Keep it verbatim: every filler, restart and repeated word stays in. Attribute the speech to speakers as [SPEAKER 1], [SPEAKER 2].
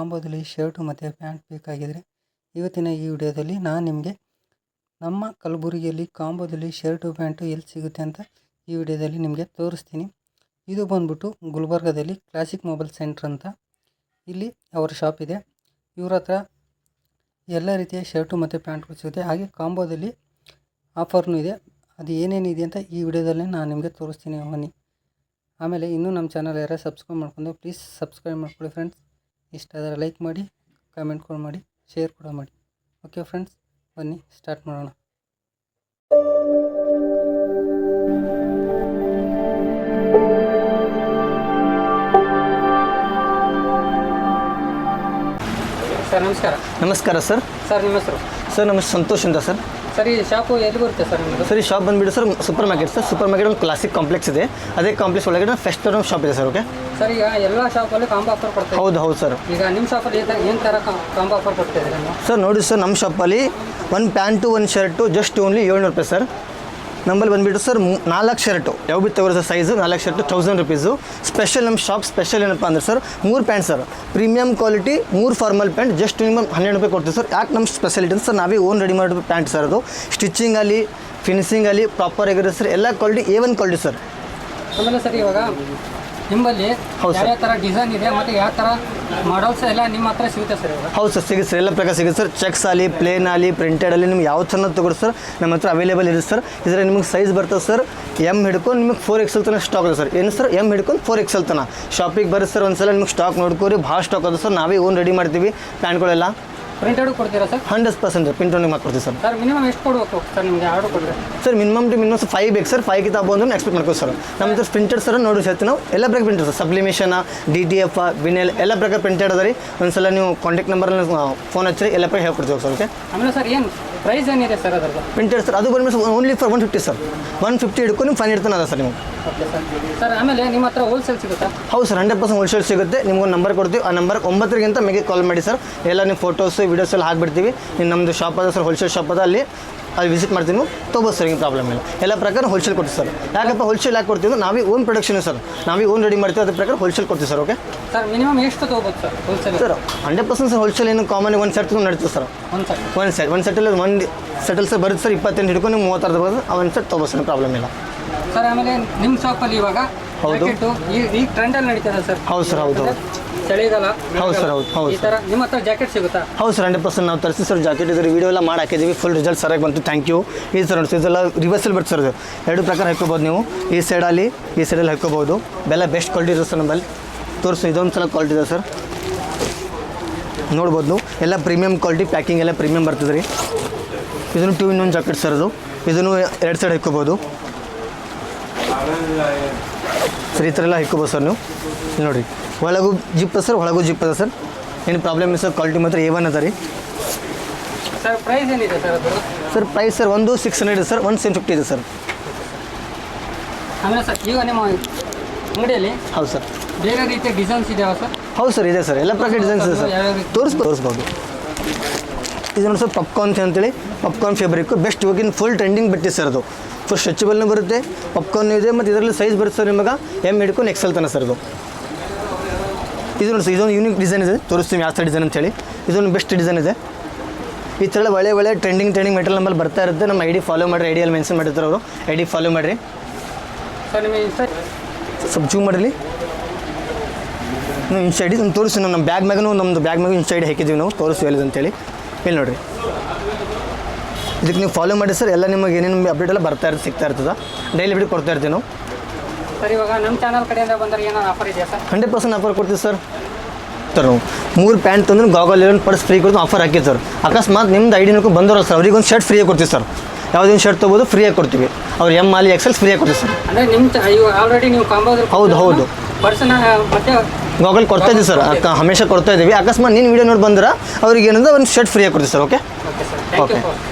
[SPEAKER 1] ಕಾಂಬೋದಲ್ಲಿ shirt ಮತ್ತು pant ಬೇಕಾಗಿದ್ದರೆ ಇವತ್ತಿನ ಈ ವಿಡಿಯೋದಲ್ಲಿ ನಾನು ನಿಮಗೆ ನಮ್ಮ ಕಲಬುರಗಿಯಲ್ಲಿ ಕಾಂಬೋದಲ್ಲಿ ಶರ್ಟು ಪ್ಯಾಂಟು ಎಲ್ಲಿ ಸಿಗುತ್ತೆ ಅಂತ ಈ ವಿಡಿಯೋದಲ್ಲಿ ನಿಮಗೆ ತೋರಿಸ್ತೀನಿ. ಇದು ಬಂದ್ಬಿಟ್ಟು ಗುಲ್ಬರ್ಗದಲ್ಲಿ ಕ್ಲಾಸಿಕ್ ಮೊಬೈಲ್ ಸೆಂಟ್ರ್ ಅಂತ ಇಲ್ಲಿ ಅವರ ಶಾಪ್ ಇದೆ. ಇವ್ರ ಹತ್ರ ಎಲ್ಲ ರೀತಿಯ ಶರ್ಟು ಮತ್ತು ಪ್ಯಾಂಟ್ಗಳು ಸಿಗುತ್ತೆ. ಹಾಗೆ ಕಾಂಬೋದಲ್ಲಿ ಆಫರ್ನೂ ಇದೆ. ಅದು ಏನೇನಿದೆ ಅಂತ ಈ ವಿಡಿಯೋದಲ್ಲಿ ನಾನು ನಿಮಗೆ ತೋರಿಸ್ತೀನಿ ಬನ್ನಿ. ಆಮೇಲೆ ಇನ್ನೂ ನಮ್ಮ ಚಾನಲ್ ಯಾರು ಸಬ್ಸ್ಕ್ರೈಬ್ ಮಾಡ್ಕೊಂಡು ಪ್ಲೀಸ್ ಸಬ್ಸ್ಕ್ರೈಬ್ ಮಾಡ್ಕೊಳ್ಳಿ ಫ್ರೆಂಡ್ಸ್. ಇಷ್ಟ ಆದರೆ ಲೈಕ್ ಮಾಡಿ, ಕಾಮೆಂಟ್ ಕೂಡ ಮಾಡಿ, ಶೇರ್ ಕೂಡ ಮಾಡಿ. ಓಕೆ ಫ್ರೆಂಡ್ಸ್, ಬನ್ನಿ ಸ್ಟಾರ್ಟ್ ಮಾಡೋಣ. ಸರ್ ನಮಸ್ಕಾರ.
[SPEAKER 2] ನಮಸ್ಕಾರ ಸರ್.
[SPEAKER 1] ಸರ್ ನಿಮ್ಮ ಹೆಸರು?
[SPEAKER 2] ಸರ್ ನಮ್ಮ ಸಂತೋಷ್ ಅಂತ ಸರ್.
[SPEAKER 1] ಸರ್ ಈ ಶಾಪು ಎಲ್ಲಿ ಬರುತ್ತೆ ಸರ್ ನಿಮ್ಮದು?
[SPEAKER 2] ಸರ್ ಈ ಶಾಪ್ ಬಂದುಬಿಟ್ಟು sir super market sir. Super market ಒಂದು ಕ್ಲಾಸಿಕ್ ಕಾಂಪ್ಲೆಕ್ಸ್ ಇದೆ. ಅದೇ ಕಾಂಪ್ಲೆಕ್ಸ್ ಒಳಗಡೆ ಫೆಸ್ಟ್ ಅನ್ನೋ ಶಾಪ್ ಇದೆ ಸರ್. ಓಕೆ
[SPEAKER 1] ಸರ್, ಈಗ ಎಲ್ಲ ಶಾಪಲ್ಲಿ ಕಾಂಬೋ ಆಫರ್ ಕೊಡ್ತಾರೆ.
[SPEAKER 2] ಹೌದು ಹೌದು ಸರ್.
[SPEAKER 1] ಈಗ ನಿಮ್ಮ ಶಾಪಲ್ಲಿ ಏನು ಥರ ಕಾಂಬೋ ಆಫರ್ ಕೊಡ್ತಾ ಇದ್ದೀರಾ
[SPEAKER 2] ಸರ್? ನೋಡಿ ಸರ್, ನಮ್ಮ ಶಾಪಲ್ಲಿ ಒಂದು ಪ್ಯಾಂಟು ಒಂದು ಶರ್ಟು ಜಸ್ಟ್ ಓನ್ಲಿ ಏಳ್ನೂರು ರೂಪಾಯಿ ಸರ್. ನಮ್ಮಲ್ಲಿ ಬಂದುಬಿಟ್ಟು ಸರ್ ನಾಲ್ಕು ಶರ್ಟು ಯಾವ ಬಿ ತಗೋರೋ ಸರ್ ಸೈಜು ನಾಲ್ಕು ಶರ್ಟು ತೌಸಂಡ್ ರುಪೀಸು. ಸ್ಪೆಷಲ್ ನಮ್ಮ ಶಾಪ್ ಸ್ಪೆಷಲ್ ಏನಪ್ಪ ಅಂದ್ರೆ ಸರ್ ಮೂರು ಪ್ಯಾಂಟ್ ಸರ್, ಪ್ರೀಮಿಯಮ್ ಕ್ವಾಲಿಟಿ ಮೂರು ಫಾರ್ಮಲ್ ಪ್ಯಾಂಟ್ ಜಸ್ಟ್ ನಿಮಗೆ ಹನ್ನೆರಡು ರೂಪಾಯಿ ಕೊಡ್ತೀವಿ ಸರ್. ಯಾಕೆ ನಮ್ಮ ಸ್ಪೆಷಾಲಿಟಿ ಅಂತ ಸರ್ ನಾವೇ ಓನ್ ರೆಡಿ ಮಾಡಿರೋ ಪ್ಯಾಂಟ್ ಸರ್. ಅದು ಸ್ಟಿಚಿಂಗ್ ಅಲ್ಲಿ ಫಿನಿಶಿಂಗ್ ಅಲ್ಲಿ ಪ್ರಾಪರ್ ಆಗಿರುತ್ತೆ ಸರ್. ಎಲ್ಲ quality A one quality sir.
[SPEAKER 1] ಆಮೇಲೆ ಸರ್ ಇವಾಗ ನಿಮ್ಮಲ್ಲಿ ಯಾವ ಥರ ಡಿಸೈನ್ ಇದೆ ಮತ್ತು ಯಾವ ಥರ ಮಾಡಲ್ಸ್ ಎಲ್ಲ ನಿಮ್ಮ ಹತ್ರ ಸಿಗುತ್ತೆ ಸರ್?
[SPEAKER 2] ಹೌದು ಸರ್, ಸಿಗುತ್ತೆ ಸರ್. ಎಲ್ಲ ಪ್ರಕಾರ ಸಿಗುತ್ತೆ ಸರ್. ಚೆಕ್ಸ್ ಆಗಲಿ ಪ್ಲೇನ್ ಆಗಲಿ ಪ್ರಿಂಟೆಡ್ ಅಲ್ಲಿ ನಿಮ್ಗೆ ಯಾವ ಥರ ತಗೊಳ್ಳಿ ಸರ್ ನಮ್ಮ ಹತ್ರ ಅವೈಲೇಬಲ್ ಇದೆ ಸರ್. ಇದರಲ್ಲಿ ನಿಮಗೆ ಸೈಜ್ ಬರ್ತದೆ ಸರ್ ಎಮ್ ಹಿಡ್ಕೊಂಡು ನಿಮಗೆ ಫೋರ್ ಎಕ್ಸೆಲ್ ತನಕ ಸ್ಟಾಕ್ ಇದೆ ಸರ್. ಏನು ಸರ್ ಎಮ್ ಹಿಡ್ಕೊಂಡು ಫೋರ್ ಎಕ್ಸೆಲ್ ತನಕ ಶಾಪಿಗೆ ಬರುತ್ತೆ ಸರ್. ಒಂದ್ಸಲ ನಿಮಗೆ ಸ್ಟಾಕ್ ನೋಡ್ಕೋರಿ, ಭಾಳ ಸ್ಟಾಕ್ ಅದು ಸರ್. ನಾವೇ ಓನ್ ರೆಡಿ ಮಾಡ್ತೀವಿ ಪ್ಯಾಂಟ್ಗಳೆಲ್ಲ.
[SPEAKER 1] ಪ್ರಿಂಟೆಡ್ ಕೊಡ್ತೀರಾ ಸರ್?
[SPEAKER 2] ಹಂಡ್ರೆಡ್ ಪರ್ಸೆಂಟ್ ಪ್ರಿಂಟೆಡ್ ಮಾಡ್ಕೊಡ್ತೀವಿ ಸರ್.
[SPEAKER 1] ಸರ್ ಮಿನಿಮಮ್ ಎಷ್ಟು ಕೊಡಬೇಕು ಸರ್ ನಿಮಗೆ ಆರ್ಡರ್ ಕೊಟ್ಟರೆ?
[SPEAKER 2] Sir minimum two minimum five ಬೇಕು ಸರ್. ಫೈವ್ ಕಿಂತ ಬಂದು ಎಕ್ಸ್ಪೆಕ್ಟ್ ಮಾಡ್ಕೋ ಸರ್. ನಮ್ಮ ಹತ್ರ ಪ್ರಿಂಟೆಡ್ ಸರ್ ನೋಡಿ ಸರ್ ನಾವು ಎಲ್ಲ ಪ್ರಕಾರ printed sir. Sublimation, D T F, vinyl ಎಲ್ಲ ಪ್ರಕಾರ ಪ್ರಿಂಟೆಡ್ ಅದ ರೀ. ಒಂದ್ಸಲ ನೀವು ಕಾಂಟ್ಯಾಕ್ಟ್ ನಂಬರಲ್ಲಿ ಫೋನ್ ಹಚ್ಚಿರಿ, ಎಲ್ಲ ಪ್ರಕಾರ ಹೇಳ್ಕೊಡ್ತೀವಿ ಸರ್. ಓಕೆ
[SPEAKER 1] ಆಮೇಲೆ ಸರ್ ಏನು ಪ್ರೈಸ್ ಏನಿದೆ ಸರ್ ಅದರದ್ದು?
[SPEAKER 2] ಪ್ರಿಂಟೆಡ್ ಸರ್ ಅದು ಬಂದ್ಬಿಟ್ಟು only for one fifty sir. One fifty ಹಿಡ್ಕೊಂಡು ನಿಮ್ಮ ಫೈನ್ ಇಡ್ತಾನೆ ಅದ ಸರ್ ನಿಮಗೆ.
[SPEAKER 1] Okay sir. ಸರ್ ಆಮೇಲೆ ನಿಮ್ಮ ಹತ್ರ ಹೋಲ್ಸೇಲ್ ಸಿಗುತ್ತಾ?
[SPEAKER 2] ಹೌದು ಸರ್, ಹಂಡ್ರೆಡ್ ಪರ್ಸೆಂಟ್ ಹೋಲ್ಸೇಲ್ ಸಿಗುತ್ತೆ. ನಿಮ್ಗೊಂದು ನಂಬರ್ ಕೊಡ್ತೀವಿ. ಆ ನಂಬರ್ ಒಂಬತ್ತರಿಗಿಂತ ಮೇಗೆ ಕಾಲ್ ಮಾಡಿ ಸರ್. ಎಲ್ಲ ನೀವು ಫೋಟೋಸು ವೀಡಿಯೋಸ್ ಎಲ್ಲ ಹಾಕ್ಬಿಡ್ತೀವಿ. ಇನ್ನು ನಮ್ಮದು ಶಾಪ್ ಅದ ಸರ್, ಹೋಲ್ಸೇಲ್ ಶಾಪ್ ಅದ. ಅಲ್ಲಿ ಅಲ್ಲಿ ವಿಸಿಟ್ ಮಾಡ್ತೀನಿ, ತೊಗೋಬೋದು ಸರ್. ಏನು ಪ್ರಾಬ್ಲಮ್ ಇಲ್ಲ. ಎಲ್ಲ ಪ್ರಕಾರ ಹೋಲ್ಸೇಲ್ ಕೊಡ್ತೀವಿ ಸರ್. ಯಾಕಪ್ಪ ಹೋಲ್ಸೇಲ್ ಯಾಕೆ ಕೊಡ್ತೀವಿ? ನಾವೇ ಓನ್ ಪ್ರೊಡಕ್ಷನ್ ಸರ್, ನಾವೇ ಓನ್ ರೆಡಿ ಮಾಡ್ತೀವಿ. ಅದ್ರ ಪ್ರಕಾರ ಹೋಲ್ಸೇಲ್ ಕೊಡ್ತೀವಿ ಸರ್. ಓಕೆ
[SPEAKER 1] ಸರ್ ಮಿನಿಮಮ್ ಎಷ್ಟು ತೊಗೋಬೋದು sir wholesale? Sir
[SPEAKER 2] hundred percent sir wholesale ಏನು ಕಾಮನ್ ಒಂದು ಸೆಟ್ ನಡೀತದೆ ಸರ್. ಒಂದು ಸೆಟ್ ಒಂದು ಸೆಟ್ ಒಂದು ಸೆಟಲ್ಲಿ ಒಂದು ಸೆಟಲ್ ಸರ್ ಬರುತ್ತೆ ಸರ್. ಇಪ್ಪತ್ತೆಂಟು ಹಿಡ್ಕೊಂಡು ನೀವು ಮೂವತ್ತಾರು ಬರೋದು ಆ ಒಂದು ಸೆಟ್ ತೊಗೋಬೋದು ಸರ್. ಪ್ರಾಬ್ಲಮ್ ಇಲ್ಲ
[SPEAKER 1] ಸರ್. ಆಮೇಲೆ ನಿಮ್ಮ ಶಾಪಲ್ಲಿ ಇವಾಗ
[SPEAKER 2] ಹೌದು
[SPEAKER 1] ಈಗ ಈಗ ಟ್ರೆಂಡಲ್ಲಿ ನಡೀತದೆ ಸರ್.
[SPEAKER 2] ಹೌದು ಸರ್. ಹೌದು ಹೌದು
[SPEAKER 1] ಚಳಿಗಾಲ.
[SPEAKER 2] ಹೌದು ಸರ್. ಹೌದು ಹೌದು
[SPEAKER 1] ಈ ಥರ ನಿಮ್ಮ ಹತ್ರ ಜಾಕೆಟ್ ಸಿಗುತ್ತಾ?
[SPEAKER 2] ಹೌದು ಸರ್, ಹಂಡ್ರೆಡ್ ಪರ್ಸೆಂಟ್ ನಾವು ತರಿಸಿ ಸರ್. ಜಾಕೆಟ್ ಇದ್ರೆ ವಿಡಿಯೋ ಎಲ್ಲ ಮಾಡಿ ಹಾಕಿದ್ದೀವಿ. ಫುಲ್ ರಿಸಲ್ಟ್ ಸರಿಯಾಗಿ ಬಂತು. Thank you. ಈ ಸರ್ ನೋಡಿ ಇದೆಲ್ಲ ರಿವರ್ಸಲ್ ಬರುತ್ತೆ ಸರ್. ಇದು ಎರಡು ಪ್ರಕಾರ ಹಾಕ್ಕೋಬೋದು ನೀವು. ಈ ಸೈಡಲ್ಲಿ ಈ ಸೈಡಲ್ಲಿ ಹಾಕ್ಕೋಬೋದು. ಬೆಲ್ಲ ಬೆಸ್ಟ್ ಕ್ವಾಲಿಟಿ ಇದೆ ಸರ್ ನಮ್ಮಲ್ಲಿ. ತೋರಿಸು, ಇದೊಂದು ಸಲ ಕ್ವಾಲಿಟಿ ಇದೆ ಸರ್. ನೋಡ್ಬೋದು ನೀವು ಎಲ್ಲ ಪ್ರೀಮಿಯಮ್ ಕ್ವಾಲಿಟಿ, ಪ್ಯಾಕಿಂಗ್ ಎಲ್ಲ ಪ್ರೀಮಿಯಮ್ ಬರ್ತದೆ ರೀ. ಇದನ್ನು two in one jacket sir. ಅದು ಇದನ್ನು ಎರಡು ಸೈಡ್ ಹಾಕ್ಕೋಬೋದು ಸರ್. ಈ ಥರ ಎಲ್ಲ ಹಾಕ್ಕೋಬೋದು ಸರ್ ನೀವು. ನೋಡಿರಿ ಒಳಗೂ ಜಿಪ್ ಸರ್, ಒಳಗೂ ಜಿಪ್ ಅದ ಸರ್. ಏನು ಪ್ರಾಬ್ಲಮ್ ಇಲ್ಲ ಸರ್. ಕ್ವಾಲಿಟಿ ಮಾತ್ರ ಎ ಒನ್ ಅದ ರೀ
[SPEAKER 1] ಸರ್. ಪ್ರೈಸ್ ಏನಿದೆ ಸರ್ ಅದು?
[SPEAKER 2] ಸರ್ ಪ್ರೈಸ್ ಸರ್ ಒಂದು ಸಿಕ್ಸ್ ಹಂಡ್ರೆಡ್ ಇದೆ ಸರ್. ಒಂದು ಸೆವೆನ್ ಫಿಫ್ಟಿ ಇದೆ ಸರ್.
[SPEAKER 1] ಆಮೇಲೆ ಸರ್ ಈಗ ನಿಮ್ಮ ಅಂಗಡಿಯಲ್ಲಿ
[SPEAKER 2] ಹೌದು ಸರ್
[SPEAKER 1] ಬೇರೆ ರೀತಿಯ ಡಿಸೈನ್ಸ್ ಇದೆಯಾ ಸರ್?
[SPEAKER 2] ಹೌದು ಸರ್, ಇದೆ ಸರ್. ಎಲ್ಲ ಪ್ರಕಾರ ಡಿಸೈನ್ಸ್ ಇದೆ ಸರ್. ತೋರಿಸ್ಬೋದು ತೋರಿಸ್ಬೋದು ಇದು ನೋಡಿ ಸರ್. ಪಾಪ್ಕಾರ್ನ್ ಅಂತೇಳಿ ಪಾಪ್ಕಾರ್ನ್ ಫೇಬ್ರಿಕ್ಕು ಬೆಸ್ಟ್ ಇವಾಗಿನ ಫುಲ್ ಟ್ರೆಂಡಿಂಗ್ ಬಟ್ಟೆ ಸರ್. ಅದು ಫುಲ್ ಸ್ಟ್ರೆಚಬಲ್ನೂ ಬರುತ್ತೆ, ಪಾಪ್ಕಾರ್ನ್ ಇದೆ, ಮತ್ತು ಇದರಲ್ಲಿ ಸೈಜ್ ಬರುತ್ತೆ ಸರ್ ನಿಮಗೆ ಎಮ್ ಹಿಡ್ಕೊಂಡು ಎಕ್ಸೆಲ್ ತನ ಸರ್. ಇದು ಇದು ನೋಡಿ ಸರ್, ಇದೊಂದು ಯೂನಿಕ್ ಡಿಸೈನ್ ಇದೆ. ತೋರಿಸ್ತೀವಿ ಯಾವ ಥರ ಡಿಸೈನ್ ಅಂತೇಳಿ. ಇದೊಂದು ಬೆಸ್ಟ್ ಡಿಸೈನ್ ಇದೆ. ಈ ಥರ ಒಳ್ಳೆ ಒಳ್ಳೆ ಟ್ರೆಂಡಿಂಗ್ ಟ್ರೆಂಡಿಂಗ್ ಮೆಟೀರಿಯಲ್ ನಮ್ಮಲ್ಲಿ ಬರ್ತಾ ಇರುತ್ತೆ. ನಮ್ಮ ಐ ಡಿ ಫಾಲೋ ಮಾಡಿರಿ. ಐ ಡಿಯಲ್ಲಿ ಮೆನ್ಷನ್ ಮಾಡಿರ್ತಾರೆ ಅವರು. ಐ ಡಿ ಫಾಲೋ ಮಾಡಿರಿ
[SPEAKER 1] ಸರ್. ನಿಮಗೆ ಸರ್
[SPEAKER 2] ಸ್ವಲ್ಪ ಜೂಮ್ ಮಾಡಿರಿ. ನಾವು ಇನ್ಸೈಡ್ ಒಂದು ತೋರಿಸಿ ನಮ್ಮ ಬ್ಯಾಗ್ ಮ್ಯಾಗೂ ನಮ್ಮದು ಬ್ಯಾಗ್ ಮ್ಯಾಗೂ ಇನ್ಸೈಡ್ ಹಾಕಿದ್ದೀವಿ ನಾವು. ತೋರಿಸಿ ಎಲ್ಲಿದೆ ಅಂತೇಳಿ. ಇಲ್ಲಿ ನೋಡಿರಿ, ಇದಕ್ಕೆ ನೀವು ಫಾಲೋ ಮಾಡಿ ಸರ್. ಎಲ್ಲ ನಿಮಗೆ ಏನೇನು ಅಪ್ಡೇಟ್ ಎಲ್ಲ ಬರ್ತಾ ಇರ್ತದೆ, ಸಿಗ್ತಾ ಇರ್ತದೆ. ಡೈಲಿ ಬಿಟ್ಟು ಕೊಡ್ತಾ ಇರ್ತೀವಿ ನಾವು
[SPEAKER 1] ಸರ್. ಇವಾಗ ನಮ್ಮ ಚಾನಲ್ ಕಡೆಯಿಂದ ಬಂದರೆ ಏನೋ ಆಫರ್ ಇದೆಯಾ ಸರ್? ಹಂಡ್ರೆಡ್
[SPEAKER 2] ಪರ್ಸೆಂಟ್ ಆಫರ್ ಕೊಡ್ತೀವಿ ಸರ್. ಸರ್ ನಾವು ಮೂರು ಪ್ಯಾಂಟ್ ತಂದ್ರೆ ಗಾಗಲ್ ಲೆವೆನ್ ಪರ್ಸ್ ಫ್ರೀ ಕೊಡ್ತೀವಿ. ಆಫರ್ ಹಾಕಿದ್ದು ಸರ್. ಅಕಸ್ಮಾತ್ ನಿಮ್ದು ಐ ಡಿ ನೋಡ್ಕೊಂಡು ಬಂದವರು ಸರ್, ಅವ್ರಿಗೆ ಒಂದು ಶರ್ಟ್ ಫ್ರೀಯಾಗಿ ಕೊಡ್ತೀವಿ ಸರ್. ಯಾವುದೇನು ಶರ್ಟ್ ತೊಗೋಬೋದು ಫ್ರೀಯಾಗಿ ಕೊಡ್ತೀವಿ. ಅವ್ರು ಎಮ್ ಆಲಿ ಎಕ್ಸೆಲ್ ಫ್ರೀಯಾಗಿ ಕೊಡ್ತೀವಿ ಸರ್.
[SPEAKER 1] ಅಂದರೆ ನಿಮ್ಮ ಇವಾಗ ಆಲ್ರೆಡಿ ನೀವು ಕಾಂಬೋ
[SPEAKER 2] ಹೌದು ಹೌದು
[SPEAKER 1] ಪರ್ಸನ್ ಮತ್ತೆ
[SPEAKER 2] ಗಾಗಲ್ ಕೊಡ್ತಾ ಇದ್ದೀವಿ ಸರ್. ಹಮೇಶ ಕೊಡ್ತಾ ಇದ್ದೀವಿ. ಅಕಸ್ಮಾತ್ ನೀನು ವೀಡಿಯೋ ನೋಡಿ ಬಂದ್ರೆ ಅವ್ರಿಗೆ ಏನಂದ್ರೆ ಒಂದು ಶರ್ಟ್ ಫ್ರೀಯಾಗಿ ಕೊಡ್ತೀವಿ sir. Okay
[SPEAKER 1] okay sir. Thank you.